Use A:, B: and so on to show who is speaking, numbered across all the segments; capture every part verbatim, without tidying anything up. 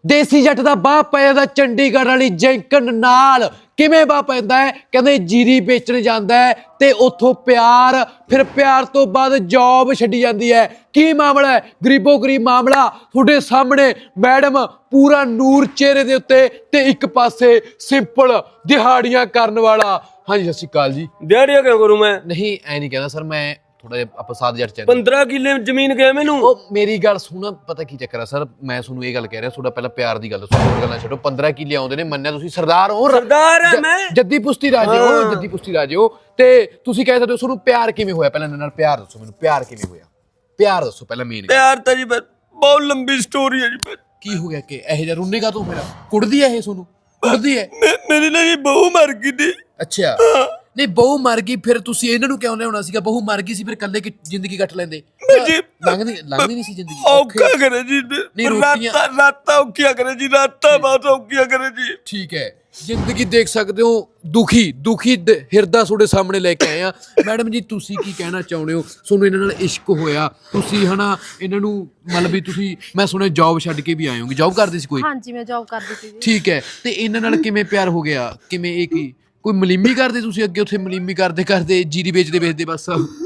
A: ਦੇਸੀ ਜੱਟ ਦਾ ਬਾਹ ਪੈ ਜਾਂਦਾ ਚੰਡੀਗੜ੍ਹ ਵਾਲੀ ਜੈਂਕਨ ਨਾਲ। ਕਿਵੇਂ ਬਾਹ ਪੈਂਦਾ ਹੈ? ਕਹਿੰਦੇ ਜੀਰੀ ਵੇਚਣ ਜਾਂਦਾ ਹੈ ਤੇ ਉੱਥੋਂ ਪਿਆਰ, ਫਿਰ ਪਿਆਰ ਤੋਂ ਬਾਅਦ ਜੌਬ ਛੱਡੀ ਜਾਂਦੀ ਹੈ। ਕੀ ਮਾਮਲਾ ਹੈ? ਗਰੀਬੋ ਗਰੀਬ ਮਾਮਲਾ ਤੁਹਾਡੇ ਸਾਹਮਣੇ। ਮੈਡਮ ਪੂਰਾ ਨੂਰ ਚਿਹਰੇ ਦੇ ਉੱਤੇ ਤੇ ਇੱਕ ਪਾਸੇ ਸਿੰਪਲ ਦਿਹਾੜੀਆਂ ਕਰਨ ਵਾਲਾ। ਹਾਂਜੀ ਸਤਿ ਸ਼੍ਰੀ ਅਕਾਲ ਜੀ।
B: ਦਿਹਾੜੀਆਂ ਕਿਉਂ ਕਰੂੰ ਮੈਂ?
A: ਨਹੀਂ ਐ ਨਹੀਂ ਕਹਿੰਦਾ ਸਰ, ਮੈਂ ਥੋੜਾ ਜਿਹਾ ਆਪਾਂ ਸਾਧ ਜੱਟ ਚ
B: ਪੰਦਰਾਂ ਕਿੱਲੇ ਜ਼ਮੀਨ ਗਏ ਮੈਨੂੰ।
A: ਉਹ ਮੇਰੀ ਗੱਲ ਸੁਣ, ਪਤਾ ਕੀ ਚੱਕਰ ਆ ਸਰ, ਮੈਂ ਤੁਹਾਨੂੰ ਇਹ ਗੱਲ ਕਹਿ ਰਿਹਾ, ਤੁਹਾਡਾ ਪਹਿਲਾਂ ਪਿਆਰ ਦੀ ਗੱਲ ਦੱਸੋ, ਹੋਰ ਗੱਲਾਂ ਛੱਡੋ। ਪੰਦਰਾਂ ਕਿੱਲੇ ਆਉਂਦੇ ਨੇ, ਮੰਨਿਆ ਤੁਸੀਂ ਸਰਦਾਰ ਹੋ,
B: ਸਰਦਾਰ ਆ ਮੈਂ,
A: ਜੱਦੀ ਪੁਸ਼ਤੀ ਰਾਜੇ ਹੋ, ਜੱਦੀ ਪੁਸ਼ਤੀ ਰਾਜੇ ਹੋ, ਤੇ ਤੁਸੀਂ ਕਹਿ ਸਕਦੇ ਹੋ ਤੁਹਾਨੂੰ ਪਿਆਰ ਕਿਵੇਂ ਹੋਇਆ? ਪਹਿਲਾਂ ਇਹਨਾਂ ਨਾਲ ਪਿਆਰ ਦੱਸੋ ਮੈਨੂੰ, ਪਿਆਰ ਕਿਵੇਂ ਹੋਇਆ? ਪਿਆਰ ਦੱਸੋ ਪਹਿਲਾਂ ਮੇਨ।
B: ਪਿਆਰ ਤਾਂ ਜੀ ਬਹੁਤ ਲੰਬੀ ਸਟੋਰੀ ਹੈ ਜੀ।
A: ਕੀ ਹੋ ਗਿਆ ਕਿ ਇਹੋ ਜਿਹਾ ਰੁੰਨੇਗਾ ਤੂੰ? ਮੇਰਾ ਕੁੜਦੀ ਹੈ ਇਹ ਤੁਹਾਨੂੰ? ਕੁੜਦੀ ਹੈ?
B: ਮੇਰੀ ਨਾ ਜੀ ਬਹੂ ਮਰ ਗਈ ਤੀ।
A: ਅੱਛਾ, ਨਹੀਂ ਬਹੂ ਮਰ ਗਈ, ਫਿਰ ਤੁਸੀਂ ਇਹਨਾਂ ਨੂੰ ਕਿਉਂ ਲਿਆਉਣਾ ਸੀਗਾ? ਬਹੂ ਮਰ ਗਈ ਸੀ, ਫਿਰ ਇਕੱਲੇ ਕਿ ਜ਼ਿੰਦਗੀ ਕੱਟ ਲੈਂਦੇ। ਲੰਘਦੀ ਲੰਘਦੀ ਨਹੀਂ ਸੀ ਜ਼ਿੰਦਗੀ?
B: ਔਖਾ ਕਰੇ ਜੀ, ਰਾਤਾਂ ਰਾਤਾਂ ਔਖੀਆਂ ਕਰੇ ਜੀ, ਰਾਤਾਂ ਬਹੁਤ ਔਖੀਆਂ ਕਰੇ ਜੀ।
A: ਠੀਕ ਹੈ, ਜ਼ਿੰਦਗੀ ਦੇਖ ਸਕਦੇ ਹੋ, ਦੁਖੀ ਦੁਖੀ ਹਿਰਦਾ ਤੁਹਾਡੇ ਸਾਹਮਣੇ ਲੈ ਕੇ ਆਏ ਆ। ਮੈਡਮ ਜੀ ਤੁਸੀਂ ਕੀ ਕਹਿਣਾ ਚਾਹੁੰਦੇ ਹੋ? ਤੁਹਾਨੂੰ ਇਹਨਾਂ ਨਾਲ ਇਸ਼ਕ ਹੋਇਆ, ਤੁਸੀਂ ਹਨਾ ਇਹਨਾਂ ਨੂੰ ਮਤਲਬ ਵੀ ਤੁਸੀਂ, ਮੈਂ ਸੁਣਿਆ ਜੌਬ ਛੱਡ ਕੇ ਵੀ ਆਏ ਹੋਗੇ। ਜੌਬ ਕਰਦੇ ਸੀ ਕੋਈ?
C: ਹਾਂਜੀ ਮੈਂ ਜੌਬ ਕਰਦੀ ਸੀ ਜੀ।
A: ਠੀਕ ਹੈ, ਤੇ ਇਹਨਾਂ ਨਾਲ ਕਿਵੇਂ ਪਿਆਰ ਹੋ ਗਿਆ? ਕਿਵੇਂ ਇਹ ਕੀ ਕੋਈ ਮਲੀਮੀ ਕਰਦੇ ਤੁਸੀਂ ਅੱਗੇ ਉੱਥੇ? ਮਲੀਮੀ ਕਰਦੇ ਕਰਦੇ ਜੀਰੀ ਵੇਚਦੇ ਵੇਚਦੇ ਬਸ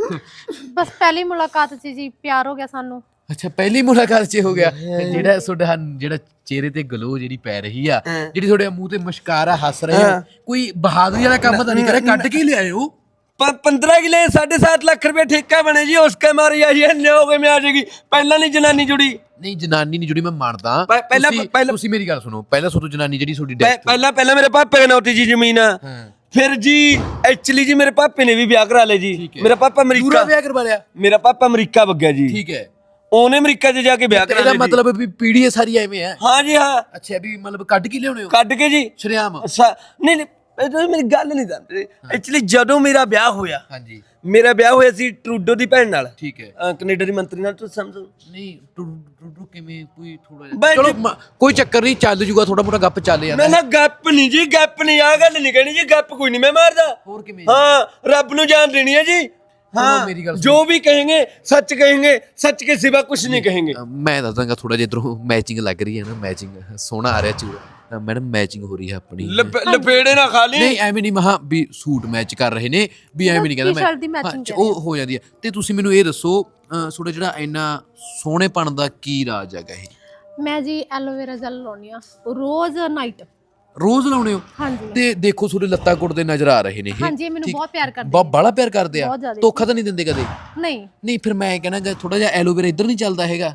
C: ਬਸ ਪਹਿਲੀ ਮੁਲਾਕਾਤ 'ਚ ਜੀ ਪਿਆਰ ਹੋ ਗਿਆ ਸਾਨੂੰ।
A: ਅੱਛਾ, ਪਹਿਲੀ ਮੁਲਾਕਾਤ 'ਚ ਹੋ ਗਿਆ। ਜਿਹੜਾ ਤੁਹਾਡਾ ਜਿਹੜਾ ਚਿਹਰੇ ਤੇ ਗਲੋ ਜਿਹੜੀ ਪੈ ਰਹੀ ਆ, ਜਿਹੜੀ ਤੁਹਾਡੇ ਮੂੰਹ ਤੇ ਮੁਸਕਾਰਾ ਹੱਸ ਰਹੇ ਆ, ਕੋਈ ਬਹਾਦਰੀ ਵਾਲਾ ਕੰਮ ਤਾਂ ਨਹੀਂ ਕਰਿਆ? ਕੱਢ ਕੇ ਲਿਆਏ ਹੋ?
B: पंद्रह किले साढ़े सात लाख रुपए ठेका बने जी, उसके मारी आई है न्योगे में आ जाएगी। पहला नहीं जनानी जुड़ी,
A: ਨਹੀਂ ਜਨਾਨੀ ਨਹੀਂ ਜੁੜੀ, ਮੈਂ ਮੰਨਦਾ।
B: ਪਹਿਲਾਂ ਪਹਿਲਾਂ
A: ਤੁਸੀਂ ਮੇਰੀ ਗੱਲ ਸੁਣੋ, ਪਹਿਲਾਂ ਸੋਤੋ ਜਨਾਨੀ ਜਿਹੜੀ ਤੁਹਾਡੀ ਡੈਥ
B: पहला पहला मेरे पापे के नाम थी जी जमीन। फिर जी एक्चुअली जी मेरे पापे ने भी ब्याह करा ले जी। मेरा पापा
A: ਦੂਰਾ
B: अमरीका,
A: ਵਿਆਹ ਕਰਵਾ ਲਿਆ?
B: मेरा पापा अमरीका भग गया जी।
A: ਠੀਕ ਹੈ,
B: ਉਹਨੇ ਅਮਰੀਕਾ 'ਚ ਜਾ ਕੇ ਵਿਆਹ ਕਰਾ
A: ਇਹਦਾ
B: ਲਿਆ।
A: ਮਤਲਬ ਵੀ ਪੀੜ੍ਹੀ ਸਾਰੀ ਐਵੇਂ ਹੈ?
B: ਹਾਂ ਜੀ ਹਾਂ।
A: ਅੱਛਾ, ਵੀ ਮਤਲਬ ਕੱਢ ਕੇ ਲਿਆਉਣੇ ਹੋ?
B: ਕੱਢ ਕੇ ਜੀ
A: ਸ਼ਰਿਆਮ?
B: ਨਹੀਂ ਨਹੀਂ ਇਹ ਮੇਰੀ ਗੱਲ ਨਹੀਂ ਸਮਝਦੇ। ਐਕਚੁਅਲੀ ਜਦੋਂ ਮੇਰਾ ਵਿਆਹ ਹੋਇਆ,
A: ਹਾਂਜੀ
B: ਮੇਰਾ ਵਿਆਹ ਹੋਇਆ ਸੀ ਟਰੂਡੋ ਦੀ ਭੈਣ ਨਾਲ,
A: ਠੀਕ ਹੈ,
B: ਕੈਨੇਡਾ ਦੀ ਮੰਤਰੀ ਨਾਲ। ਤੁਸੀਂ ਸਮਝੋ
A: ਨਹੀਂ ਟੁੱਟੂ ਕਿਵੇਂ? ਕੋਈ ਥੋੜਾ
B: ਬਈ
A: ਜਿਹਾ ਚਲੋ ਕੋਈ ਚੱਕਰ ਨਹੀਂ, ਚੱਲ ਜੂਗਾ, ਥੋੜਾ ਮੋਟਾ ਗੱਪ ਚੱਲ ਜਾਂਦਾ।
B: ਮੈਂ ਨਾ ਗੱਪ ਨਹੀਂ ਜੀ, ਗੱਪ ਨਹੀਂ, ਆ ਗੱਲ ਨਹੀਂ ਕਹਿਣੀ ਜੀ, ਗੱਪ ਕੋਈ ਨਹੀਂ ਮੈਂ ਮਾਰਦਾ।
A: ਹੋਰ ਕਿਵੇਂ?
B: ਹਾਂ, ਰੱਬ ਨੂੰ ਜਾਨ ਦੇਣੀ ਹੈ ਜੀ। हाँ,
A: मेरी गल
B: जो भी कहेंगे सच कहेंगे, सच के सिवा कुछ नहीं कहेंगे।
A: मैं दस दांगा थोड़ा जिहा इधरों मैचिंग लग रही है ना, मैचिंग सोहना आ रहा चूड़ा। मैडम मैचिंग हो रही है अपनी,
B: लपेड़े ना खा ली।
A: नहीं ਐਵੇਂ ਨਹੀਂ, ਮਹਾ ਵੀ ਸੂਟ ਮੈਚ ਕਰ ਰਹੇ ਨੇ, ਵੀ ਐਵੇਂ ਨਹੀਂ ਕਹਿੰਦਾ ਮੈਂ, ਉਹ ਹੋ ਜਾਂਦੀ ਹੈ। ਤੇ ਤੁਸੀਂ ਮੈਨੂੰ ਇਹ ਦੱਸੋ, ਤੁਹਾਡਾ ਜਿਹੜਾ ਇੰਨਾ ਸੋਹਣੇਪਣ ਦਾ ਕੀ ਰਾਜ ਹੈਗਾ? ਇਹ
C: ਮੈਂ ਜੀ ਐਲੋਵੇਰਾ ਜੈਲ ਲਾਉਣੀ ਆ ਰੋਜ਼ ਨਾਈਟ।
A: ਰੋਜ਼ ਲਾਉਣੇ ਹੋ?
C: ਹਾਂਜੀ।
A: ਤੇ ਦੇਖੋ ਤੁਹਾਡੇ ਲੱਤਾਂ ਕੁੱਟਦੇ ਨਜ਼ਰ ਆ ਰਹੇ ਨੇ ਇਹ।
C: ਹਾਂਜੀ, ਮੈਨੂੰ ਬਹੁਤ ਪਿਆਰ ਕਰਦੇ,
A: ਬਹੁਤ ਬਾਲਾ ਪਿਆਰ ਕਰਦੇ ਆ। ਧੋਖਾ ਤਾਂ ਨਹੀਂ ਦਿੰਦੇ ਕਦੇ?
C: ਨਹੀਂ
A: ਨਹੀਂ, ਫਿਰ ਮੈਂ ਕਹਿਣਾ ਥੋੜਾ ਜਿਹਾ ਐਲੋਵੇਰਾ ਇੱਧਰ ਨਹੀਂ ਚੱਲਦਾ ਹੈਗਾ?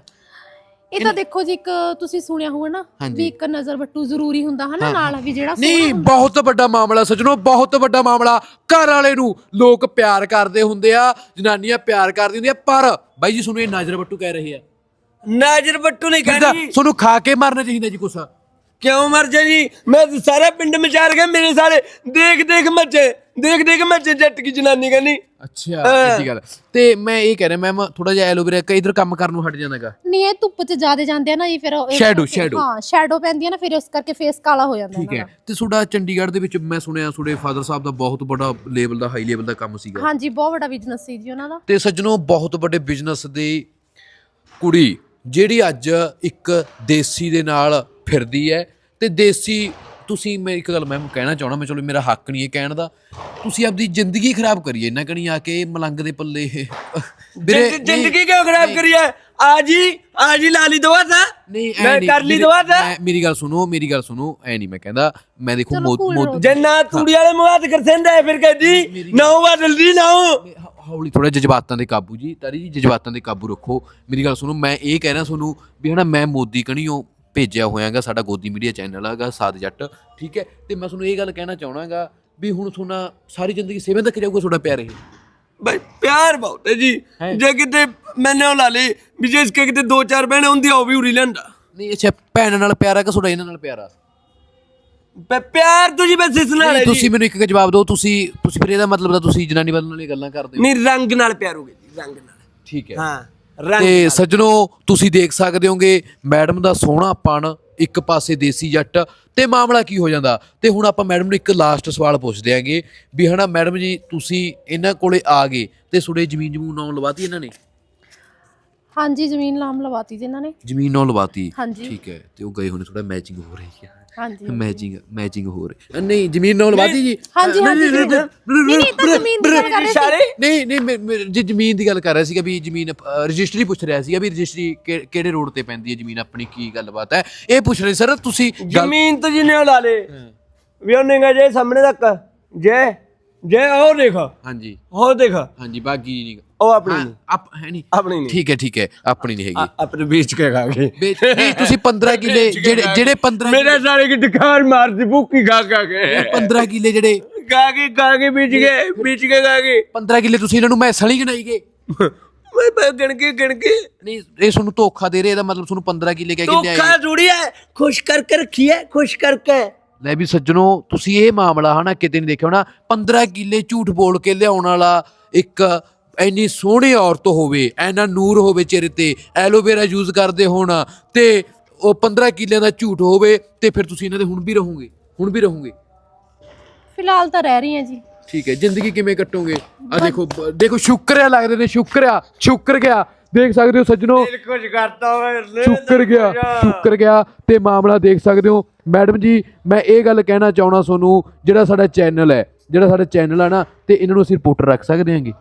C: ਇਹ ਤਾਂ ਦੇਖੋ ਜੀ, ਇੱਕ ਤੁਸੀਂ ਸੁਣਿਆ ਹੋਊਗਾ ਨਾ ਵੀ ਇੱਕ ਨਜ਼ਰ ਵੱਟੂ ਜ਼ਰੂਰੀ ਹੁੰਦਾ ਹਨਾ ਨਾਲ, ਵੀ ਜਿਹੜਾ
A: ਨਹੀਂ, ਬਹੁਤ ਵੱਡਾ ਮਾਮਲਾ ਸੱਜਣੋ, ਬਹੁਤ ਵੱਡਾ ਮਾਮਲਾ। ਘਰ ਵਾਲੇ ਨੂੰ ਲੋਕ ਪਿਆਰ ਕਰਦੇ ਹੁੰਦੇ ਆ, ਜਨਾਨੀਆਂ ਪਿਆਰ ਕਰਦੀ ਹੁੰਦੀਆਂ, ਪਰ ਬਾਈ ਜੀ ਤੁਹਾਨੂੰ ਇਹ ਨਜ਼ਰ ਵੱਟੂ ਕਹਿ ਰਹੇ ਆ।
B: ਨਜ਼ਰ ਵੱਟੂ ਨਹੀਂ कहनी,
A: ਤੁਹਾਨੂੰ ਖਾ ਕੇ ਮਰਨਾ ਚਾਹੀਦਾ ਜੀ ਕੁਛ।
B: क्यों मर जाए जी? मैं सारा पिंड में चार गए मेरे सारे, देख देख मचे, देख देख मचे जट की जनानी कहनी।
A: ਅੱਛਾ, ਇਹ ਗੱਲ। ਤੇ ਮੈਂ ਇਹ ਕਹਿ ਰਿਹਾ ਮੈਮ, ਥੋੜਾ ਜਿਹਾ ਐਲੋਵੇਰਾ ਕਈ ਇਧਰ ਕੰਮ ਕਰਨ ਨੂੰ ਹਟ ਜਾਂਦਾਗਾ।
C: ਨਹੀਂ, ਇਹ ਧੁੱਪ 'ਚ ਜ਼ਿਆਦਾ ਜਾਂਦੇ ਆ ਨਾ ਜੀ, ਫਿਰ
A: ਸ਼ੈਡੋ ਸ਼ੈਡੋ
C: ਹਾਂ ਸ਼ੈਡੋ ਪੈਂਦੀ ਆ ਨਾ, ਫਿਰ ਇਸ ਕਰਕੇ ਫੇਸ ਕਾਲਾ ਹੋ ਜਾਂਦਾ।
A: ਠੀਕ ਹੈ, ਤੇ ਤੁਹਾਡਾ ਚੰਡੀਗੜ੍ਹ ਦੇ ਵਿੱਚ ਮੈਂ ਸੁਣਿਆ ਤੁਹਾਡੇ ਫਾਦਰ ਸਾਹਿਬ ਦਾ ਬਹੁਤ ਵੱਡਾ ਲੈਵਲ ਦਾ, ਹਾਈ ਲੈਵਲ ਦਾ ਕੰਮ ਸੀਗਾ।
C: ਹਾਂਜੀ, ਬਹੁਤ ਵੱਡਾ ਬਿਜ਼ਨਸ ਸੀ ਜੀ ਉਹਨਾਂ ਦਾ।
A: ਤੇ ਸੱਜਣੋ, ਬਹੁਤ ਵੱਡੇ ਬਿਜ਼ਨਸ ਦੀ ਕੁੜੀ ਜਿਹੜੀ ਅੱਜ ਇੱਕ ਦੇਸੀ ਦੇ ਨਾਲ ਫਿਰਦੀ ਹੈ, ਤੇ ਦੇਸੀ ਤੁਸੀਂ, ਮੈਂ ਇੱਕ ਗੱਲ ਮੈਮ ਕਹਿਣਾ ਚਾਹਣਾ, ਮੈਂ ਚਲੋ ਮੇਰਾ ਹੱਕ ਨਹੀਂ ਇਹ ਕਹਿਣ ਦਾ, ਤੁਸੀਂ ਆਪਦੀ ਜ਼ਿੰਦਗੀ ਖਰਾਬ ਕਰੀਏ ਇਹਨਾਂ ਕਣੀ ਆ ਕੇ ਮਲੰਗ ਦੇ ਪੱਲੇ।
B: ਜ਼ਿੰਦਗੀ ਕਿਉਂ ਖਰਾਬ ਕਰੀ ਹੈ? आज ही आज ही ला ली दवा था,
A: ਨਹੀਂ
B: मैं कर ली दवा था।
A: ਮੇਰੀ ਗੱਲ ਸੁਣੋ, ਮੇਰੀ ਗੱਲ ਸੁਣੋ, ਐ ਨਹੀਂ ਮੈਂ ਕਹਿੰਦਾ, ਮੈਂ ਦੇਖੋ ਮੋਦੀ
B: जन्ना तूड़ी वाले मुआद कर सेंदा है, फिर कहती ना हुआ जल्दी ना हो।
A: ਹੌਲੀ ਥੋੜਾ ਜਜ਼ਬਾਤਾਂ ਦੇ ਕਾਬੂ ਜੀ, ਤਾਰੀ ਜੀ ਜਜ਼ਬਾਤਾਂ ਦੇ ਕਾਬੂ ਰੱਖੋ। ਮੇਰੀ ਗੱਲ ਸੁਣੋ, ਮੈਂ ਇਹ ਕਹਿ ਰਿਹਾ ਤੁਹਾਨੂੰ ਵੀ ਹਨਾ, ਮੈਂ ਮੋਦੀ ਕਣੀਓ ਭੇਜਿਆ ਹੋਇਆਗਾ, ਸਾਡਾ ਗੋਦੀ ਮੀਡੀਆ ਚੈਨਲ ਹੈਗਾ ਸਾਧ ਜੱਟ, ਠੀਕ ਹੈ, ਤੇ ਮੈਂ ਤੁਹਾਨੂੰ ਇਹ ਗੱਲ ਕਹਿਣਾ ਚਾਹਣਾਗਾ ਵੀ ਹੁਣ ਤੁਹਾਡਾ ਸਾਰੀ ਜ਼ਿੰਦਗੀ ਸੇਵੇਂ ਤੱਕ ਜਾਊਗਾ ਤੁਹਾਡਾ ਪਿਆਰ। ਇਹ
B: भाई प्यार बहुत है जी, जे किते मैंने ला ली भी, जे इसके किते दो चार बहने होंदी वो भी उड़ी लेंदा।
A: ਨਹੀਂ, ਅੱਛਾ ਭੈਣ ਨਾਲ ਪਿਆਰ ਆ ਕਿ ਤੁਹਾਡਾ ਇਹਨਾਂ ਨਾਲ ਪਿਆਰ ਆ?
B: प्यार तो जी बस इस नाल है जी।
A: ਤੁਸੀਂ ਮੈਨੂੰ ਇੱਕ ਜਵਾਬ ਦਿਓ, ਤੁਸੀਂ ਤੁਸੀਂ ਫਿਰ ਇਹਦਾ ਮਤਲਬ ਤਾਂ ਤੁਸੀਂ ਜਨਾਨੀ ਵੱਲ ਨਾਲ ਇਹ ਗੱਲਾਂ ਕਰਦੇ ਹੋ?
B: नहीं, रंग नाल प्यार हो गया जी, रंग नाल।
A: ਠੀਕ ਹੈ।
B: हाँ,
A: ਤੇ ਸੱਜਣੋ, ਤੁਸੀਂ ਦੇਖ ਸਕਦੇ ਹੋਗੇ ਮੈਡਮ ਦਾ ਸੋਹਣਾਪਣ, ਇੱਕ ਪਾਸੇ ਦੇਸੀ ਜੱਟ, ਤੇ ਮਾਮਲਾ ਕੀ ਹੋ ਜਾਂਦਾ। ਤੇ ਹੁਣ ਆਪਾਂ ਮੈਡਮ ਨੂੰ ਇੱਕ ਲਾਸਟ ਸਵਾਲ ਪੁੱਛਦੇ ਆਂਗੇ ਵੀ ਹਨਾ ਮੈਡਮ ਜੀ, ਤੁਸੀਂ ਇਹਨਾਂ ਕੋਲੇ ਆ ਗਏ ਤੇ ਤੁਹਾਡੇ ਜ਼ਮੀਨ ਜਮੂਨ ਨਾਮ ਲਵਾਤੀ ਇਹਨਾਂ ਨੇ?
C: ਹਾਂਜੀ ਜ਼ਮੀਨ ਨਾਮ ਲਵਾਤੀ ਜੀ ਇਹਨਾਂ ਨੇ।
A: ਜ਼ਮੀਨ ਨਾਲ ਲਵਾਤੀ,
C: ਹਾਂਜੀ
A: ਠੀਕ ਹੈ। ਤੇ ਉਹ ਗਏ ਹੋਣੇ ਥੋੜਾ ਮੈਚਿੰਗ ਹੋ ਰਹੀ ਹੈ,
C: ਹਾਂਜੀ
A: ਮੈਚਿੰਗ ਮੈਚਿੰਗ ਹੋ ਰਹੀ ਅ, ਨਹੀਂ ਜ਼ਮੀਨ ਨਾਲ ਲਵਾਤੀ ਜੀ।
C: ਹਾਂਜੀ ਹਾਂਜੀ ਜ਼ਮੀਨ- ਨਹੀਂ ਨਹੀਂ ਤਾਂ ਜ਼ਮੀਨ ਦੀ ਗੱਲ ਕਰ ਰਹੇ ਸੀ।
A: ਨਹੀਂ ਨਹੀਂ ਮੈਂ- ਮੈਂ ਜੀ ਜ਼ਮੀਨ ਦੀ ਗੱਲ ਕਰ ਰਿਹਾ ਸੀਗਾ ਵੀ ਜ਼ਮੀਨ ਅ, ਰਜਿਸਟਰੀ ਪੁੱਛ ਰਿਹਾ ਸੀਗਾ ਵੀ ਰਜਿਸਟਰੀ ਕਿ- ਕਿਹੜੇ ਰੋਡ ਤੇ ਪੈਂਦੀ ਹੈ ਜ਼ਮੀਨ ਆਪਣੀ, ਕੀ ਗੱਲਬਾਤ ਹੈ ਇਹ ਪੁੱਛ ਰਹੇ ਸਰ ਤੁਸੀਂ। ਗੱਲ-
B: ਜ਼ਮੀਨ ਤਾਂ ਜਿੰਨੇ ਲਾ ਲੇ ਵੀ ਉਹਨੇ ਜੇ ਸਾਹਮਣੇ ਤੱਕ ਜੇ ਜੇ ਉਹ ਦੇਖ
A: ਹਾਂਜੀ
B: ਉਹ ਦੇਖ
A: ਹਾਂਜੀ ਬਾਗੀ ਨਹੀਂ
B: ਉਹ ਆਪਣੀ ਨਹੀਂ
A: ਆਪ ਹੈ ਨਹੀਂ,
B: ਆਪਣੀ ਨਹੀਂ
A: ਠੀਕ ਹੈ ਠੀਕ ਹੈ ਆਪਣੀ ਨਹੀਂ ਹੈਗੀ।
B: ਆਪਣੇ ਵੇਚ ਕੇ ਖਾ ਗਏ
A: ਵੇ- ਨਹੀਂ ਤੁਸੀਂ ਪੰਦਰਾਂ ਕਿੱਲੇ ਜਿਹੜੇ ਜਿਹੜੇ ਪੰਦਰਾਂ
B: ਮੇਰੇ ਸਾਲੇ ਕੀ ਦੁਕਾਨ ਮਾਰਦੀ ਭੁੱਕੀ ਖਾ ਖਾ ਕੇ
A: ਪੰਦਰਾਂ ਕਿੱਲੇ ਜਿਹੜੇ
B: ਖਾ ਕੇ ਖਾ ਕੇ ਵੇਚ ਗਏ ਵੇਚ ਕੇ ਖਾ ਗਏ
A: ਪੰਦਰਾਂ ਕਿੱਲੇ ਤੁਸੀਂ ਇਹਨਾਂ ਨੂੰ ਮੈਸਾਂ ਨਹੀਂ ਗਿਣਾਈ ਗਏ।
B: ਮੈਂ ਮੈਂ ਗਿਣ ਕੇ ਗਿਣ ਕੇ
A: ਨਹੀਂ ਇਹ ਤੁਹਾਨੂੰ ਧੋਖਾ ਦੇ ਰਹੇ, ਇਹਦਾ ਮਤਲਬ ਤੁਹਾਨੂੰ ਪੰਦਰਾਂ ਕਿੱਲੇ ਕਹਿ ਕੇ ਲਿਆਏ।
B: ਧੋਖਾ ਜੁੜੀ ਹੈ, ਖੁਸ਼ ਕਰਕੇ ਰੱਖੀ ਹੈ, ਖੁਸ਼ ਕਰਕੇ।
A: ਲੈ ਵੀ ਸੱਜਣੋ ਤੁਸੀਂ ਇਹ ਮਾਮਲਾ ਹਨਾ ਕਿਤੇ ਨਹੀਂ ਦੇਖਿਆ ਹੋਣਾ, ਪੰਦਰਾਂ ਕਿੱਲੇ ਝੂਠ ਬੋਲ ਕੇ ਲਿਆਉਣ ਵਾਲਾ ਇੱਕ ਇੰਨੀ ਸੋਹਣੀ ਔਰਤ ਹੋਵੇ, ਐਨਾ ਨੂਰ ਹੋਵੇ ਚਿਹਰੇ ਤੇ, ਐਲੋਵੇਰਾ ਯੂਜ਼ ਕਰਦੇ ਹੋਣ ਤੇ ਉਹ ਪੰਦਰਾਂ ਕਿੱਲਿਆਂ ਦਾ ਝੂਠ ਹੋਵੇ, ਤੇ ਫਿਰ ਤੁਸੀਂ ਇਹਨਾਂ ਦੇ ਹੁਣ ਵੀ ਰਹੋਗੇ, ਹੁਣ ਵੀ ਰਹੋਗੇ।
C: ਫਿਲਹਾਲ ਤਾਂ ਰਹਿ ਰਹੀ ਹਾਂ ਜੀ।
A: ਠੀਕ ਹੈ, ਜ਼ਿੰਦਗੀ ਕਿਵੇਂ ਕੱਟੋਗੇ? ਆ ਦੇਖੋ ਬ- ਦੇਖੋ ਸ਼ੁਕਰ ਆ ਲੱਗਦੇ ਨੇ, ਸ਼ੁਕਰ ਆ ਸ਼ੁਕਰ ਗਿਆ, ਦੇਖ ਸਕਦੇ ਹੋ ਸੱਜਣੋ
B: ਦਿਲ ਕੁਝ ਕਰਤਾ ਹੋਵੇ
A: ਸ਼ੁਕਰ ਗਿਆ ਸ਼ੁਕਰ ਗਿਆ ਤੇ ਮਾਮਲਾ ਦੇਖ ਸਕਦੇ ਹੋ। ਮੈਡਮ ਜੀ ਮੈਂ ਇਹ ਗੱਲ ਕਹਿਣਾ ਚਾਹਣਾ ਤੁਹਾਨੂੰ, ਜਿਹੜਾ ਸਾਡਾ ਚੈਨਲ ਹੈ ਜਿਹੜਾ ਸਾਡਾ ਚੈਨਲ ਆ ਨਾ, ਤੇ ਇਹਨਾਂ ਨੂੰ ਅਸੀਂ ਰਿਪੋਰਟਰ ਰੱਖ ਸਕਦੇ ਹਾਂਗੇ।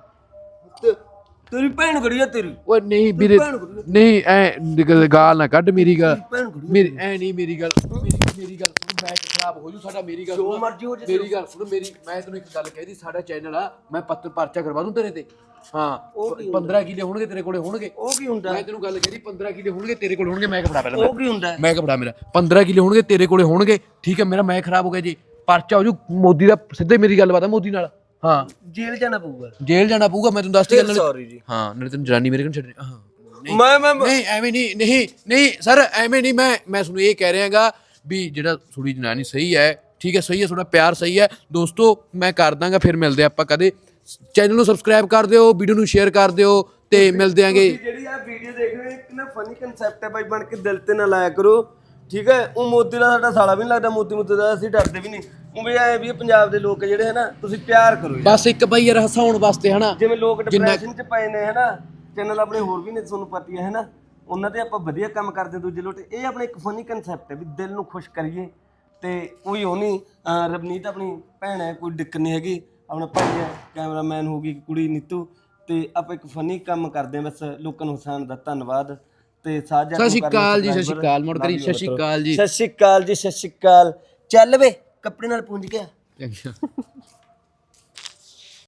B: ਤੇਰੀ ਭੈਣ ਖੜੀ ਆ ਤੇਰੀ
A: ਓਏ ਨਹੀਂ ਵੀਰੇ ਨਹੀਂ ਐ ਗਾਲ ਨਾ ਕੱਢ ਮੇਰੀ ਗੱਲ, ਮੇਰੀ ਐ ਨਹੀਂ ਮੇਰੀ ਗੱਲ ਮੇਰੀ ਮੇਰੀ ਗੱਲ ਸੁਣ, ਮੈਚ ਖਰਾਬ ਹੋ ਜੂ ਸਾਡਾ। ਮੇਰੀ ਗੱਲ
B: ਜੋ
A: ਸੁਣ,
B: ਮਰਜ਼ੀ ਹੋ ਜੇ
A: ਮੇਰੀ ਗੱਲ ਸੁਣ ਮੇਰੀ, ਮੈਂ ਤੈਨੂੰ ਇੱਕ ਗੱਲ ਕਹਿ ਦੀ, ਸਾਡਾ ਚੈਨਲ ਆ, ਮੈਂ ਪੱਤਰ ਪਰਚਾ ਕਰਵਾ ਦੂੰ ਤੇਰੇ ਤੇ। ਹਾਂ ਪੰਦਰਾਂ ਕਿੱਲੇ ਹੋਣਗੇ ਤੇਰੇ ਕੋਲੇ ਹੋਣਗੇ।
B: ਉਹ ਕੀ ਹੁੰਦਾ?
A: ਮੈਂ ਤੈਨੂੰ ਗੱਲ ਕਹਿ ਦੀ ਪੰਦਰਾਂ ਕਿੱਲੇ ਹੋਣਗੇ ਤੇਰੇ ਕੋਲੇ ਹੋਣਗੇ। ਮੈਂ ਕਪੜਾ ਪਹਿਲਾਂ
B: ਉਹ ਕੀ ਹੁੰਦਾ?
A: ਮੈਂ ਕਪੜਾ ਮੇਰਾ ਪੰਦਰਾਂ ਕਿੱਲੇ ਹੋਣਗੇ ਤੇਰੇ ਕੋਲੇ ਹੋਣਗੇ, ਠੀਕ ਹੈ। ਮੇਰਾ ਮੈਂ ਖਰਾਬ ਹੋ ਗਿਆ ਜੀ, ਪਰਚਾ ਹੋ ਜੂ ਮੋਦੀ ਦਾ। ਸਿੱਧੇ ਮੇਰੀ ਗੱਲਬਾਤ ਆ ਮੋਦੀ ਨਾਲ। ਹਾਂ
B: ਜੇਲ੍ਹ ਜਾਣਾ ਪਊਗਾ,
A: ਜੇਲ੍ਹ ਜਾਣਾ ਪਊਗਾ, ਮੈਂ ਤੈਨੂੰ ਦੱਸਦੀ ਗੱਲ।
B: ਸੌਰੀ ਜੀ।
A: ਹਾਂ ਨਾਲੇ ਤੈਨੂੰ ਜਨਾਨੀ ਮੇਰੇ ਕੋਲ ਛੱਡਣੀ। ਹਾਂ ਨਹੀਂ
B: ਮੈਂ ਮੈਂ
A: ਨਹੀਂ ਐਵੇਂ ਨਹੀਂ ਨਹੀਂ ਨਹੀਂ ਸਰ ਐਵੇਂ ਨਹੀਂ, ਮੈਂ ਮੈਂ ਤੁਹਾਨੂੰ ਇਹ ਕਹਿ ਰਿਹਾਗਾ ਵੀ ਜਿਹੜਾ ਥੋੜੀ ਜਨਾਨੀ ਸਹੀ ਹੈ, ਠੀਕ ਹੈ, ਸਹੀ ਹੈ, ਥੋੜਾ ਪਿਆਰ ਸਹੀ ਹੈ। ਦੋਸਤੋ ਮੈਂ ਕਰ ਦਾਂਗਾ, ਫਿਰ ਮਿਲਦੇ ਆਪਾਂ ਕਦੇ। ਚੈਨਲ ਨੂੰ ਸਬਸਕ੍ਰਾਈਬ ਕਰ ਦਿਓ, ਵੀਡੀਓ ਨੂੰ ਸ਼ੇਅਰ ਕਰ ਦਿਓ ਤੇ ਮਿਲਦੇ ਆਂਗੇ।
B: ਜਿਹੜੀ ਆ ਵੀਡੀਓ ਦੇਖ ਰਹੇ ਹੋ, ਇੱਕ ਨਾ ਫਨੀ ਕਨਸੈਪਟ ਹੈ ਬਾਈ, ਬਣ ਕੇ ਦਿਲ ਤੇ ਨਾ ਲਾਇਆ ਕਰੋ, ਠੀਕ ਹੈ। ਉਹ ਮੋਦੀ ਦਾ ਸਾਡਾ ਸਾਲਾ ਵੀ ਨਹੀਂ ਲੱਗਦਾ, ਮੋਦੀ ਮੁੱਦੇ ਦਾ ਅਸੀਂ ਡਰਦੇ ਵੀ ਨਹੀਂ। ਉਹ ਵੀ ਐ ਵੀ ਪੰਜਾਬ ਦੇ ਲੋਕ ਜਿਹੜੇ ਹੈ ਨਾ, ਤੁਸੀਂ ਪਿਆਰ ਕਰੋ ਯਾਰ।
A: ਬਸ ਇੱਕ ਬਈ ਯਾਰ ਹਸਾਉਣ ਵਾਸਤੇ ਹਨਾ,
B: ਜਿਵੇਂ ਲੋਕ ਡਿਪਰੈਸ਼ਨ ਚ ਪਏ ਨੇ ਹੈ ਨਾ, ਚੈਨਲ ਆਪਣੇ ਹੋਰ ਵੀ ਨੇ ਤੁਹਾਨੂੰ ਪਤਾ ਹੀ ਹੈ ਨਾ, ਉਹਨਾਂ ਤੇ ਆਪਾਂ ਵਧੀਆ ਕੰਮ ਕਰਦੇ ਦੂਜੇ ਲੋਟ। ਇਹ ਆਪਣਾ ਇੱਕ ਫਨੀ ਕਨਸੈਪਟ ਹੈ ਵੀ ਦਿਲ ਨੂੰ ਖੁਸ਼ ਕਰੀਏ, ਤੇ ਕੋਈ ਉਹ ਨਹੀਂ। ਰਵਨੀਤ ਆਪਣੀ ਭੈਣ ਹੈ, ਕੋਈ ਦਿੱਕਤ ਨਹੀਂ ਹੈਗੀ, ਆਪਣਾ ਭਾਈ ਹੈ, ਕੈਮਰਾਮੈਨ ਹੋਗੀ ਕੁੜੀ ਨੀਤੂ, ਤੇ ਆਪਾਂ ਇੱਕ ਫਨੀ ਕੰਮ ਕਰਦੇ ਹਾਂ ਬਸ, ਲੋਕਾਂ ਨੂੰ ਹਸਾਉਣ ਦਾ। ਧੰਨਵਾਦ ਤੇ ਸਾਜਾ।
A: ਸਤਿ ਸ਼੍ਰੀ ਅਕਾਲ ਜੀ, ਸਤਿ ਸ਼੍ਰੀ ਅਕਾਲ ਮੁੜ ਕਰੀ, ਸਤਿ ਸ਼੍ਰੀ ਅਕਾਲ ਜੀ,
B: ਸਤਿ ਸ਼੍ਰੀ ਅਕਾਲ ਜੀ, ਸਤਿ ਸ਼੍ਰੀ ਅਕਾਲ। ਚੱਲ ਵੇ ਕੱਪੜੇ ਨਾਲ ਪੂੰਝ ਗਿਆ।
A: ਚੰਗਾ।